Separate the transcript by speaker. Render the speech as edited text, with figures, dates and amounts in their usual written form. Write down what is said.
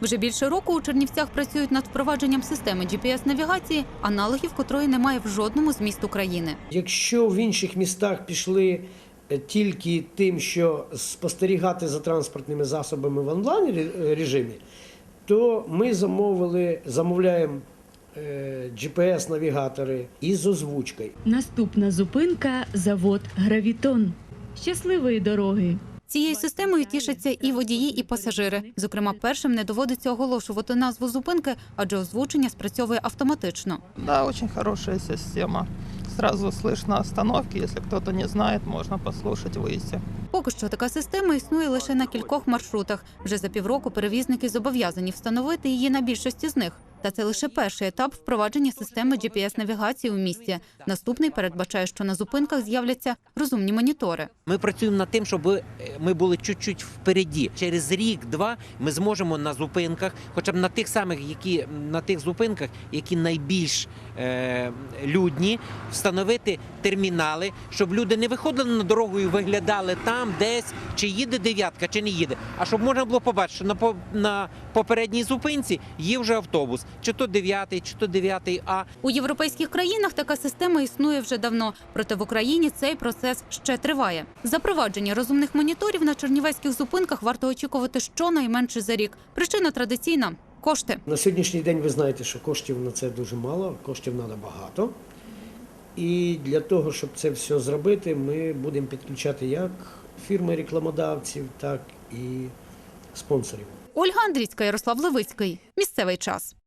Speaker 1: Вже більше року у Чернівцях працюють над впровадженням системи GPS-навігації, аналогів котрої немає в жодному з міст України.
Speaker 2: Якщо в інших містах пішли тільки тим, що спостерігати за транспортними засобами в онлайн режимі, то ми замовляємо GPS-навігатори із озвучкою.
Speaker 3: Наступна зупинка – завод «Гравітон». Щасливої дороги!
Speaker 1: Цією системою тішаться і водії, і пасажири. Зокрема, першим не доводиться оголошувати назву зупинки, адже озвучення спрацьовує автоматично.
Speaker 4: Да, очень хорошая система. Сразу слышно остановки, если кто-то не знает, можно послушать, выйти.
Speaker 1: Поки що така система існує лише на кількох маршрутах. Вже за півроку перевізники зобов'язані встановити її на більшості з них. Та це лише перший етап впровадження системи GPS-навігації у місті. Наступний передбачає, що на зупинках з'являться розумні монітори.
Speaker 5: Ми працюємо над тим, щоб ми були чуть-чуть впереді. Через рік-два ми зможемо на зупинках, хоча б на тих зупинках, які найбільш людні, встановити термінали, щоб люди не виходили на дорогу і виглядали там десь, чи їде дев'ятка, чи не їде. А щоб можна було побачити, що на попередній зупинці є вже автобус. Чи то 9-й, чи то 9А.
Speaker 1: У європейських країнах така система існує вже давно, проте в Україні цей процес ще триває. Запровадження розумних моніторів на чернівецьких зупинках варто очікувати щонайменше за рік. Причина традиційна – кошти.
Speaker 2: На сьогоднішній день ви знаєте, що коштів на це дуже мало, коштів треба багато. І для того, щоб це все зробити, ми будемо підключати як фірми-рекламодавців, так і спонсорів.
Speaker 1: Ольга Андрійська, Ярослав Левицький. Місцевий час.